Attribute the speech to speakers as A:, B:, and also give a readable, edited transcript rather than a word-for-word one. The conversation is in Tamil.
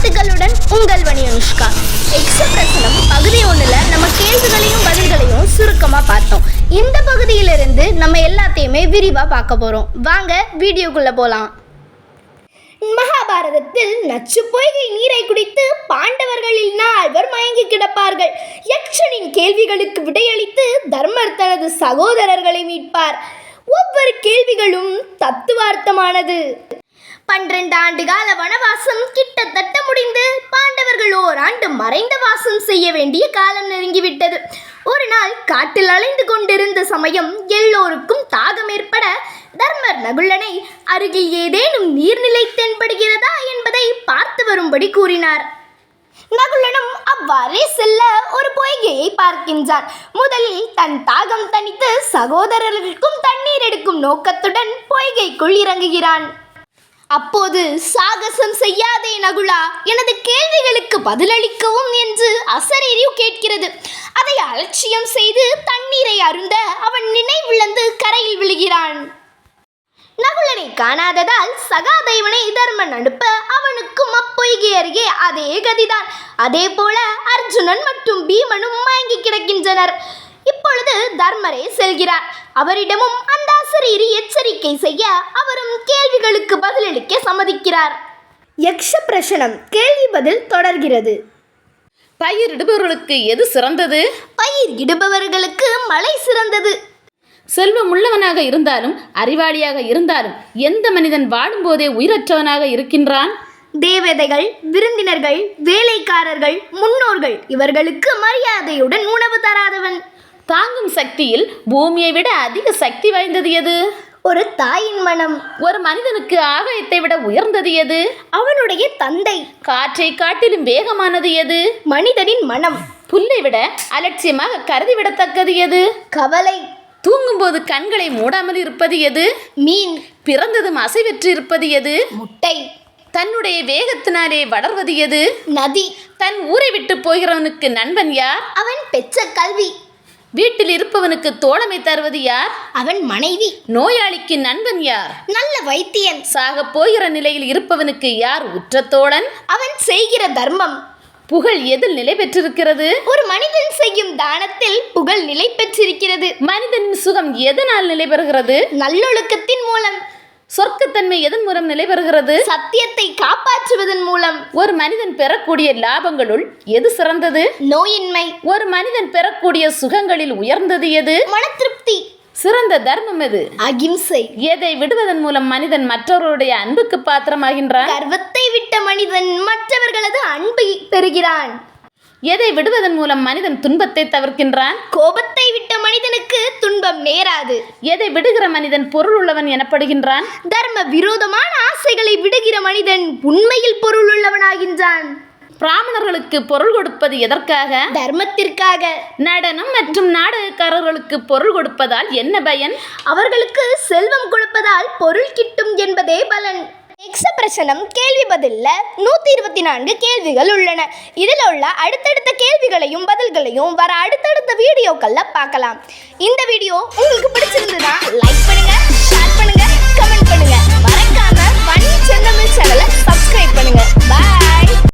A: வாழ்த்துக்களுடன் உங்கள் வணி அனுஷ்கா. எக்ஸப்ரசனம் பகுதி 1ல் நம்ம கேள்விகளையும் பதில்களையும் சுருக்கமாக பார்த்தோம். இந்த பகுதியிலிருந்து நம்ம எல்லாத்தையுமே விரிவாக பார்க்க போகிறோம். வாங்க வீடியோக்குள்ளே போகலாம். மகாபாரதத்தில் நச்சு பொய்கை நீரை குடித்து பாண்டவர்களில் 4 மயங்கி கிடப்பார்கள். யக்ஷனின் கேள்விகளுக்கு விடையளித்து தர்மர் தனது சகோதரர்களை மீட்பார். ஒவ்வொரு கேள்விகளும் தத்துவார்த்தமானது. 12 ஆண்டு கால வனவாசம் கிட்டத்தட்ட முடிந்து பாண்டவர்கள் ஓராண்டு மறைந்த வாசம் செய்ய வேண்டிய காலம் நெருங்கிவிட்டது. ஒரு நாள் காட்டில் அலைந்து கொண்டிருந்த சமயம் எல்லோருக்கும் தாகம் ஏற்பட தர்மர் நகுலனை அருகில் ஏதேனும் நீர்நிலை தென்படுகிறதா என்பதை பார்த்து வரும்படி கூறினார். நகுலனும் அவ்வாறே செல்ல ஒரு பொய்கையை பார்க்கின்றான். முதலில் தன் தாகம் தணித்து சகோதரர்களுக்கும் தண்ணீர் எடுக்கும் நோக்கத்துடன் பொய்கைக்குள் இறங்குகிறான். அப்போது சாகசம் செய்யாதே நகுலா, எனது கேள்விகளுக்கு பதிலளிக்கவும் என்று அசரீரி கேட்கிறது. அதை அலட்சியம் செய்து தண்ணீரை அருந்த அவன் நினைவிழந்து கரையில் விழுகிறான். நகுலனை காணாததால் சகாதேவனை தர்மன் அனுப்ப அவனுக்கும் அப்பொய்கை அருகே அதே கதிதான். அதே போல அர்ஜுனன் மற்றும் பீமனும் மயங்கி கிடக்கின்றனர். இப்பொழுது தர்மரே செல்கிறார். அவரிடமும் அந்த அசரீரி எச்சரிக்கை செய்ய அவரும் கேள்விகளுக்கு பதிலளிக்க சம்மதிக்கிறார். யக்ஷ பிரசனம் கேள்வி பதில் தொடர்கிறது.
B: பயிரிடுபவர்களுக்கு எது சிறந்தது?
A: பயிர் இடுபவர்களுக்கு மழை சிறந்தது.
B: செல்வம் உள்ளவனாக இருந்தாலும் அறிவாளியாக இருந்தாலும் எந்த மனிதன் வாடும்போதே உயிரற்றவனாக இருக்கின்றான்?
A: தேவதைகள், விருந்தினர்கள், வேலைக்காரர்கள், முன்னோர்கள் இவர்களுக்கு மரியாதையுடன் உணவு தராதவன்.
B: தாங்கும் சக்தியில் பூமியை விட அதிக சக்தி வாய்ந்தது எது?
A: ஒரு தாயின் மனம்.
B: ஒரு மனிதனுக்கு ஆகாயத்தை விட உயர்ந்தது எது?
A: அவனுடைய தந்தை.
B: காற்றை காட்டிலும் வேகமானது எது?
A: மனிதனின் மனம்.
B: புல்லை விட அலட்சியமாக கருதிவிடத்தக்கது எது?
A: கவலை.
B: தூங்கும்போது கண்களை மூடாமல் இருப்பது எது?
A: மீன்.
B: பிறந்ததும் அசைவற்று இருப்பது எது?
A: முட்டை.
B: தன்னுடைய வேகத்தினாலே வளர்வது எது?
A: நதி.
B: தன் ஊரை விட்டு போகிறவனுக்கு நண்பன் யார்?
A: அவன் பெற்ற கல்வி.
B: வீட்டில் இருப்பவனுக்கு தோழமை தருவது யார்?
A: அவன் மனைவி.
B: நோயாளிக்கு நண்பன் யார்?
A: நல்ல வைத்தியன்.
B: சாக போகிற நிலையில் இருப்பவனுக்கு யார் உற்ற தோழன்?
A: அவன் செய்கிற தர்மம்.
B: புகழ் எதில் நிலை பெற்றிருக்கிறது?
A: ஒரு மனிதன் செய்யும் தானத்தில் புகழ் நிலை பெற்றிருக்கிறது.
B: மனிதனின் சுகம் எதனால் நிலை பெறுகிறது?
A: நல்லொழுக்கத்தின் மூலம்.
B: சொர்க்கத்தன்மை எதன் மூலம் நிலை பெறுகிறது?
A: சத்தியத்தை காப்பாற்றுவதன் மூலம்.
B: ஒரு மனிதன் பெறக்கூடிய லாபங்களுள் எது சிறந்தது?
A: நோயின்மை.
B: ஒரு மனிதன் பெறக்கூடிய சுகங்களில் உயர்ந்தது எது?
A: மன திருப்தி.
B: சிறந்த தர்மம் எது?
A: அகிம்சை.
B: எதை விடுவதன் மூலம் மனிதன் மற்றவர்களுடைய அன்புக்கு பாத்திரமாகின்றான்?
A: கர்வத்தை விட்ட மனிதன் மற்றவர்களது அன்பை பெறுகிறான்.
B: எதை விடுவதன் மூலம் மனிதன் துன்பத்தை தவிர்க்கின்றான்?
A: கோபத்தை விட்ட மனிதனுக்கு துன்பம் நேராது.
B: எதை விடுகிற மனிதன் பொருள் உள்ளவன் எனப்படுகின்றான்?
A: தர்ம விரோதமான ஆசைகளை விடுகிற மனிதன் உண்மையில் பொருள் உள்ளவனாகின்றான்.
B: பிராமணர்களுக்கு பொருள் கொடுப்பது எதற்காக?
A: தர்மத்திற்காக.
B: நடனம் மற்றும் நாடகக்காரர்களுக்கு பொருள் கொடுப்பதால் என்ன பயன்?
A: அவர்களுக்கு செல்வம் கொடுப்பதால் பொருள் கிட்டும் என்பதே பலன். எக்ஸப்ரசனம் கேள்வி பதில்ல 124 கேள்விகள் உள்ளன. இதில் உள்ள அடுத்தடுத்த கேள்விகளையும் பதில்களையும் வர அடுத்தடுத்த வீடியோக்கள்ல பார்க்கலாம். இந்த வீடியோ உங்களுக்கு பிடிச்சிருந்ததுன்னா லைக் பண்ணுங்க,